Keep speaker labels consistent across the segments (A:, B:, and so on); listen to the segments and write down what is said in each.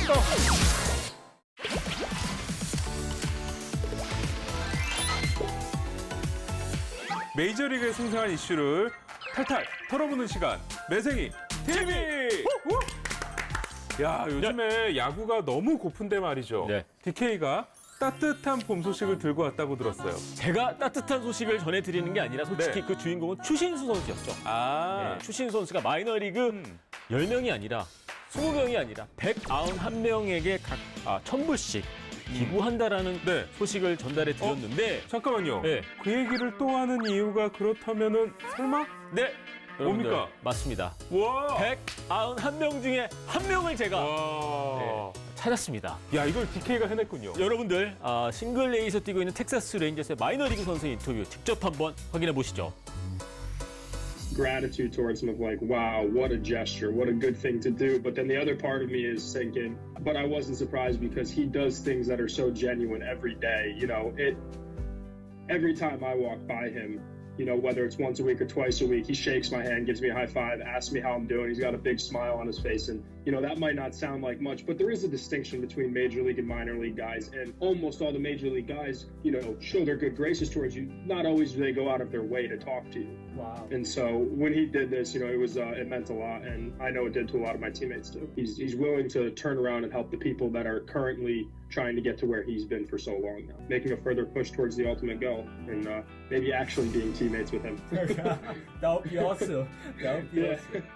A: 더.
B: 메이저리그에 생생한 이슈를 탈탈 털어보는 시간. 매생이 TV! 야, 요즘에 야구가 너무 고픈데 말이죠.
A: 네.
B: DK가 따뜻한 봄 소식을 들고 왔다고 들었어요.
A: 제가 따뜻한 소식을 전해드리는 게 아니라 솔직히
B: 네.
A: 그 주인공은 추신수 선수였죠.
B: 아,
A: 네, 추신수 선수가 마이너리그 10명이 아니라 20명이 아니라 191명에게 각 1,000불씩 기부한다라는
B: 네.
A: 소식을 전달해 드렸는데
B: 잠깐만요.
A: 네.
B: 그 얘기를 또 하는 이유가 그렇다면은 설마?
A: 네. 여러분들,
B: 뭡니까?
A: 맞습니다.
B: 와!
A: 191명 중에 한 명을 제가
B: 와.
A: 네, 찾았습니다.
B: 야, 이걸 DK가 해냈군요.
A: 여러분들 싱글 A에서 뛰고 있는 텍사스 레인저스의 마이너리그 선수 인터뷰 직접 한번 확인해 보시죠.
C: gratitude towards him of like, wow, what a gesture, what a good thing to do. But then the other part of me is thinking, but I wasn't surprised because he does things that are so genuine every day. You know, every time I walk by him, you know, whether it's once a week or twice a week, he shakes my hand, gives me a high five, asks me how I'm doing. He's got a big smile on his face. And, you know, that might not sound like much, but there is a distinction between major league and minor league guys. And almost all the major league guys, you know, show their good graces towards you. Not always do they go out of their way to talk to you.
D: Wow.
C: And so when he did this, you know, it meant a lot. And I know it did to a lot of my teammates too. He's willing to turn around and help the people that are currently trying to get to where he's been for so long now, making a further push towards the ultimate goal and maybe actually being teammates with him.
D: That would be awesome. That would be
C: Yeah.
D: awesome.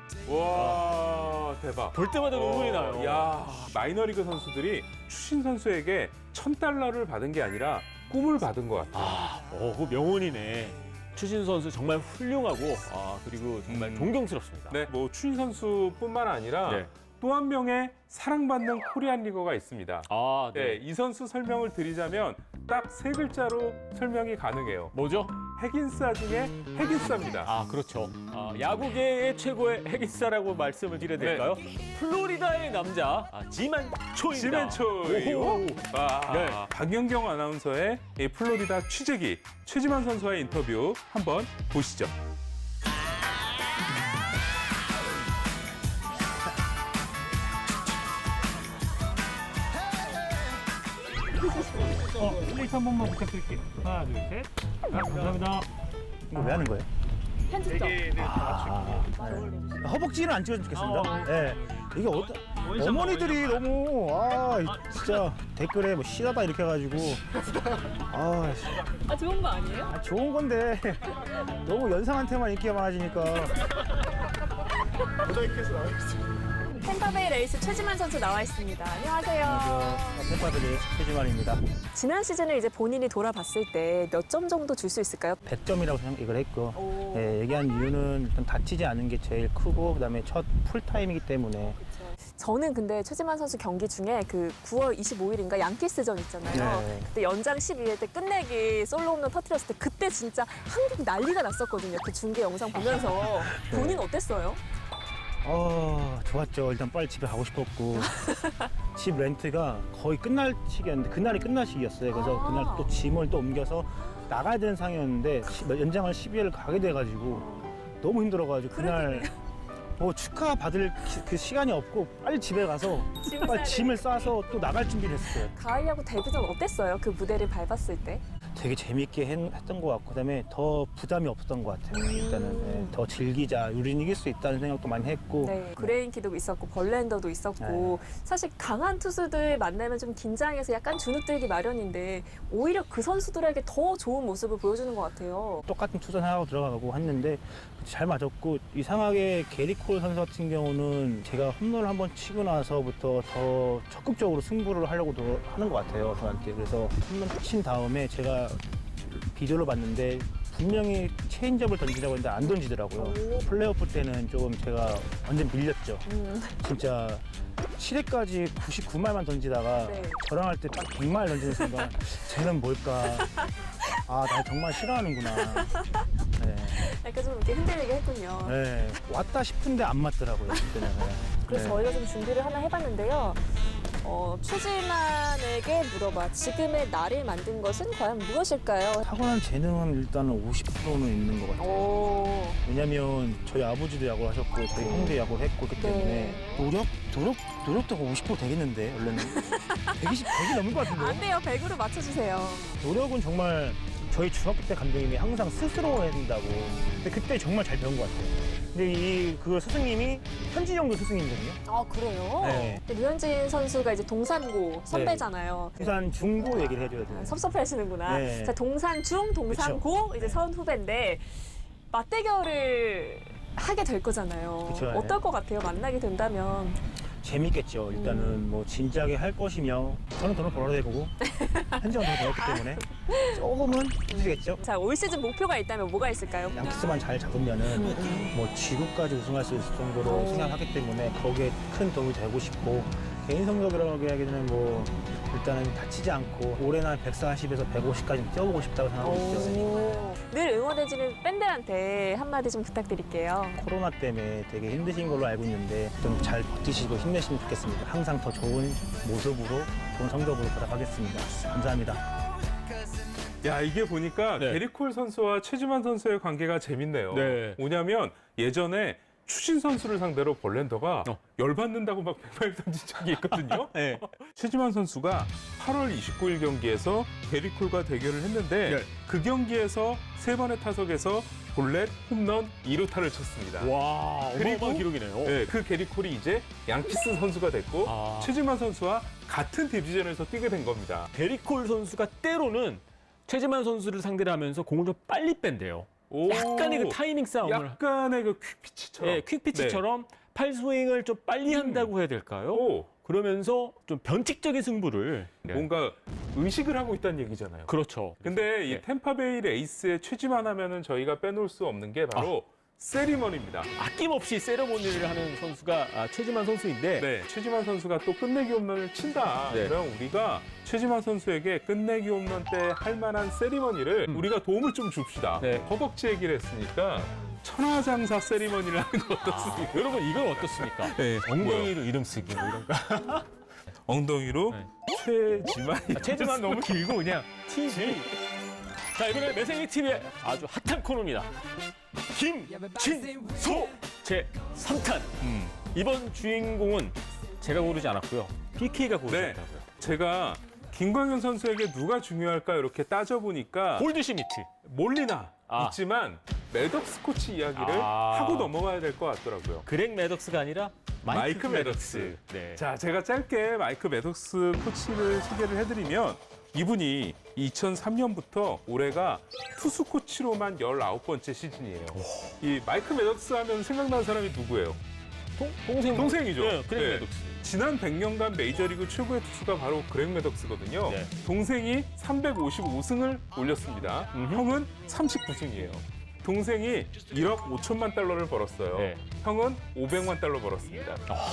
B: 와, 대박.
A: 볼 때마다 눈물이 나요.
B: 야, 마이너리그 선수들이 추신 선수에게 $1,000를 받은 게 아니라 꿈을 받은 것 같아요.
A: 그 명언이네. 추신수 선수 정말 훌륭하고 그리고 정말 존경스럽습니다.
B: 네, 뭐 추신 선수뿐만 아니라
A: 네.
B: 또 한 명의 사랑받는 코리안 리거가 있습니다. 네, 이 선수 설명을 드리자면 딱 세 글자로 설명이 가능해요.
A: 뭐죠?
B: 핵인싸 중에 핵인싸입니다.
A: 그렇죠. 야구계의 최고의 핵인싸라고 말씀을 드려야 될까요? 플로리다의 남자 지만초입니다.
B: 지멘초이.
A: 오호. 네.
B: 박연경 아나운서의 이 플로리다 취재기 최지만 선수와의 인터뷰 한번 보시죠.
D: 플레이트 한 번만 부탁드릴게요. 하나, 둘, 셋. 감사합니다.
E: 이거 왜 하는 거예요?
F: 편집점.
E: 허벅지는 안 찍어주면 좋겠습니다. 네. 이게 어머니들이 너무 진짜 댓글에 뭐 실하다 이렇게 해가지고
F: 좋은 거 아니에요?
E: 좋은 건데 너무 연상한테만 인기가 많아지니까.
F: 템파베이 레이스 최지만 선수 나와 있습니다. 안녕하세요.
E: 팬파들의 최지만입니다.
F: 지난 시즌을 이제 본인이 돌아봤을 때 몇 점 정도 줄 수 있을까요?
E: 100점이라고 생각을 했고
F: 오.
E: 얘기한 이유는 일단 다치지 않은 게 제일 크고 그다음에 첫 풀타임이기 때문에.
F: 저는 근데 최지만 선수 경기 중에 그 9월 25일인가 양키스전 있잖아요.
E: 네.
F: 그때 연장 12회 때 끝내기 솔로 홈런 터뜨렸을 때 그때 진짜 한국 난리가 났었거든요. 그 중계 영상 보면서 본인 어땠어요?
E: 좋았죠. 일단 빨리 집에 가고 싶었고 집 렌트가 거의 끝날 시기였는데 그날이 끝날 시기였어요. 그래서 그날 또 짐을 또 옮겨서 나가야 되는 상황이었는데 연장을 12회를 가게 돼가지고 너무 힘들어가지고 그날 뭐 축하 받을 그 시간이 없고 빨리 집에 가서 빨리 짐을 싸서 또 나갈 준비를 했어요.
F: 가을 야구 데뷔전 어땠어요? 그 무대를 밟았을 때?
E: 되게 재밌게 했던 것 같고 그다음에 더 부담이 없었던 것 같아요. 일단은 더 즐기자, 우리는 이길 수 있다는 생각도 많이 했고.
F: 네, 그레인키도 있었고 벌랜더도 있었고 사실 강한 투수들 만나면 좀 긴장해서 약간 주눅들기 마련인데 오히려 그 선수들에게 더 좋은 모습을 보여주는 것 같아요.
E: 똑같은 투선하고 들어가고 했는데 잘 맞았고 이상하게 게리 콜 선수 같은 경우는 제가 홈런을 한번 치고 나서부터 더 적극적으로 승부를 하려고 하는 것 같아요 저한테. 그래서 홈런 친 다음에 제가 비디오를 봤는데 분명히 체인지업을 던지라고 했는데 안 던지더라고요. 플레이오프 때는 조금 제가 완전 밀렸죠. 진짜 7회까지 99말만 던지다가
F: 네.
E: 저랑 할 때 딱 100말 던지는 순간 쟤는 뭘까. 나 정말 싫어하는구나. 네.
F: 약간 좀 이렇게 흔들리게 했군요.
E: 네, 왔다 싶은데 안 맞더라고요. 그때는. 네.
F: 그래서
E: 네.
F: 저희가 좀 준비를 하나 해봤는데요. 최지만에게 물어봐. 지금의 나를 만든 것은 과연 무엇일까요?
E: 타고난 재능은 일단은 50%는 있는 것 같아요.
F: 오.
E: 왜냐면 저희 아버지도 야구를 하셨고 저희 형도 야구를 했고 그렇기 때문에
F: 네.
E: 노력도 50% 되겠는데 원래는 100이 넘을 것 같은데.
F: 안 돼요. 100으로 맞춰주세요.
E: 노력은 정말 저희 중학교 때 감독님이 항상 스스로 해야 된다고. 근데 그때 정말 잘 배운 것 같아요. 근데 그 스승님이 현진영도 스승님이거든요.
F: 아, 그래요?
E: 네.
F: 근데 류현진 선수가 이제 동산고 선배잖아요.
E: 부산 중고 얘기를 해줘야 돼요.
F: 섭섭해 하시는구나.
E: 네.
F: 자, 동산중, 동산고, 이제 선후배인데 맞대결을 하게 될 거잖아요.
E: 그쵸, 네.
F: 어떨 것 같아요? 만나게 된다면.
E: 재밌겠죠. 일단은 뭐 진지하게 할 것이며 저는 돈을 벌어야 되고 현지가 돈을 벌었기 때문에 조금은 힘들겠죠.
F: 자, 올 시즌 목표가 있다면 뭐가 있을까요?
E: 양키스만 잘 잡으면은 뭐 지구까지 우승할 수 있을 정도로 생각하기 때문에 거기에 큰 도움이 되고 싶고 개인 성적이라고 하기에는 뭐 일단은 다치지 않고 올해는 한 140에서 150까지 뛰어보고 싶다고 생각하고 있죠.
F: 오. 늘 응원해주는 팬들한테 한마디 좀 부탁드릴게요.
E: 코로나 때문에 되게 힘드신 걸로 알고 있는데 좀 잘 버티시고 힘내시면 좋겠습니다. 항상 더 좋은 모습으로 좋은 성적으로 보답하겠습니다. 감사합니다.
B: 야, 이게 보니까
A: 네.
B: 게리콜 선수와 최지만 선수의 관계가 재밌네요.
A: 네.
B: 뭐냐면 예전에 추신 선수를 상대로 볼랜더가 열받는다고 막 백발 던진 적이 있거든요.
A: 네.
B: 최지만 선수가 8월 29일 경기에서 게리콜과 대결을 했는데
A: 네.
B: 그 경기에서 3번의 타석에서 볼넷, 홈런, 2루타를 쳤습니다.
A: 와,
B: 그리고
A: 어마어마한 기록이네요.
B: 네, 그 게리콜이 이제 양키스 선수가 됐고
A: 아.
B: 최지만 선수와 같은 디비전에서 뛰게 된 겁니다.
A: 게리콜 선수가 때로는 최지만 선수를 상대로 하면서 공을 좀 빨리 뺀대요.
B: 오.
A: 약간의 그 타이밍 싸움을.
B: 약간의 그 퀵피치처럼.
A: 네, 퀵피치처럼 팔 스윙을 좀 빨리 한다고 해야 될까요?
B: 오.
A: 그러면서 좀 변칙적인 승부를.
B: 뭔가 의식을 하고 있다는 얘기잖아요.
A: 그렇죠.
B: 근데 이
A: 네.
B: 템파베이 레이스의 최지만 하면은 저희가 빼놓을 수 없는 게 바로 세리머니입니다.
A: 아낌없이 세레모니를 하는 선수가 최지만 선수인데
B: 네, 최지만 선수가 또 끝내기 홈런을 친다.
A: 네.
B: 그럼 우리가 최지만 선수에게 끝내기 홈런 때 할 만한 세리머니를 우리가 도움을 좀 줍시다.
A: 네.
B: 허벅지 얘기를 했으니까 천하장사 세리머니를 하는 거 어떻습니까?
A: 여러분 이건 어떻습니까?
B: 네.
A: 엉덩이로 이름 쓰기 뭐 이런 거.
B: 엉덩이로
A: 네.
B: 최지만.
A: 최지만 너무 길고 그냥 TV. 자, 이번에 매생이 TV의 아주 핫한 코너입니다. 김진소 제 3탄. 이번 주인공은 제가 고르지 않았고요. PK가
B: 네.
A: 고르셨다고요.
B: 제가 김광현 선수에게 누가 중요할까 이렇게 따져보니까
A: 골드시미트.
B: 몰리나 있지만 매덕스 코치 이야기를 하고 넘어가야 될 것 같더라고요.
A: 그렉 매덕스가 아니라
B: 마이크 매덕스.
A: 네.
B: 자, 제가 짧게 마이크 매덕스 코치를 소개를 해드리면 이분이 2003년부터 올해가 투수 코치로만 19번째 시즌이에요. 이 마이크 매덕스 하면 생각나는 사람이 누구예요? 동생이죠.
A: 네, 그렉
B: 네.
A: 매덕스.
B: 지난 100년간 메이저리그 최고의 투수가 바로 그렉 매덕스거든요.
A: 네.
B: 동생이 355승을 올렸습니다. 형은 39승이에요. 동생이 1억 5천만 달러를 벌었어요.
A: 네.
B: 형은 500만 달러 벌었습니다.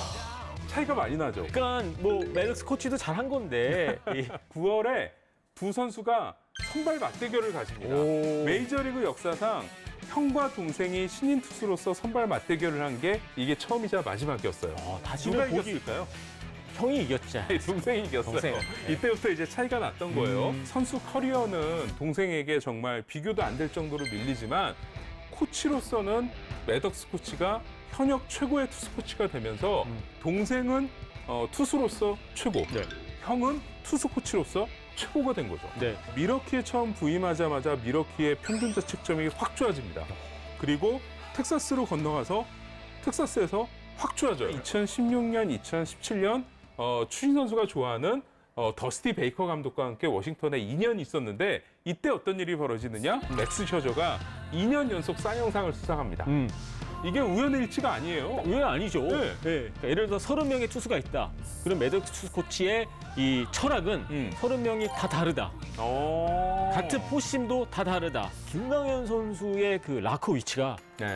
B: 차이가 많이 나죠.
A: 그러니까 뭐 매덕스 코치도 잘한 건데
B: 9월에 두 선수가 선발 맞대결을 가집니다.
A: 오.
B: 메이저리그 역사상 형과 동생이 신인 투수로서 선발 맞대결을 한 게 이게 처음이자 마지막이었어요.
A: 아,
B: 누가
A: 다시는 보기
B: 이겼을까요?
A: 형이 이겼죠.
B: 동생이 이겼어요.
A: 동생.
B: 이때부터 이제 차이가 났던 거예요. 선수 커리어는 동생에게 정말 비교도 안 될 정도로 밀리지만 코치로서는 매덕스 코치가 현역 최고의 투수 코치가 되면서 동생은 투수로서 최고,
A: 네.
B: 형은 투수 코치로서 최고가 된 거죠.
A: 네.
B: 미러키에 처음 부임하자마자 미러키의 평균 자책점이 확 좋아집니다. 그리고 텍사스로 건너가서 텍사스에서 확 좋아져요. 2016년, 2017년 추신 선수가 좋아하는 더스티 베이커 감독과 함께 워싱턴에 2년 있었는데 이때 어떤 일이 벌어지느냐? 맥스 셔저가 2년 연속 쌍영상을 수상합니다. 이게 우연의 일치가 아니에요.
A: 왜 아니죠?
B: 네.
A: 그러니까 예를 들어 30명의 투수가 있다. 그럼 매덕스 투수 코치의 이 철학은 30명이 다 다르다. 같은 포심도 다 다르다. 김광현 선수의 그 라커 위치가
B: 네.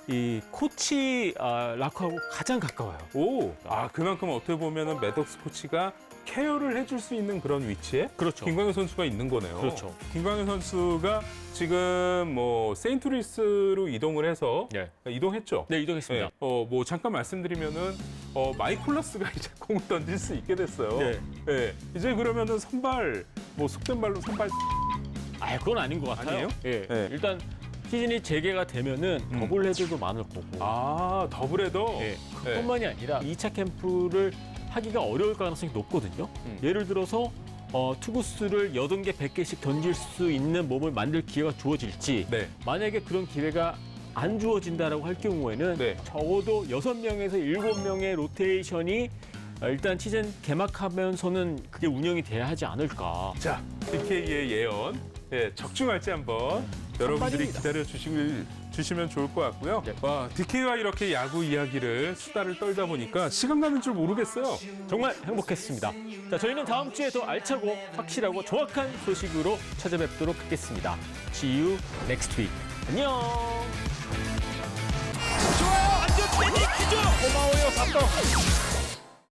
A: 이 코치 라커하고 가장 가까워요.
B: 오, 그만큼 어떻게 보면은 매덕스 코치가 케어를 해줄 수 있는 그런 위치에
A: 그렇죠.
B: 김광현 선수가 있는 거네요.
A: 그렇죠.
B: 김광현 선수가 지금 뭐 세인트루이스로 이동을 해서
A: 네.
B: 이동했죠.
A: 네, 이동했습니다.
B: 네. 뭐 잠깐 말씀드리면은 마이콜라스가 이제 공을 던질 수 있게 됐어요.
A: 네.
B: 네. 이제 그러면은 선발 뭐 속된 말로 선발
A: 그건 아닌 것 같아요.
B: 아니에요?
A: 예.
B: 네.
A: 일단 시즌이 재개가 되면은 더블 헤드도 많을 거고.
B: 더블헤더.
A: 예.
B: 네.
A: 뿐만이 아니라 2차 캠프를 하기가 어려울 가능성이 높거든요. 예를 들어서 투구수를 80개, 100개씩 던질 수 있는 몸을 만들 기회가 주어질지
B: 네.
A: 만약에 그런 기회가 안 주어진다라고 할 경우에는
B: 네.
A: 적어도 6명에서 7명의 로테이션이 일단 시즌 개막하면서는 그게 운영이 돼야 하지 않을까.
B: 자, DK의 예언. 예, 적중할지 한번 여러분들이
A: 선발입니다.
B: 기다려 주시면 좋을 것 같고요.
A: 네.
B: 와, DK와 이렇게 야구 이야기를 수다를 떨다 보니까 시간 가는 줄 모르겠어요.
A: 정말 행복했습니다. 자, 저희는 다음 주에 더 알차고 확실하고 정확한 소식으로 찾아뵙도록 하겠습니다. See you next week. 안녕.
G: 좋아요. 완전 패닉 퀴즈.
A: 고마워요, 밥도.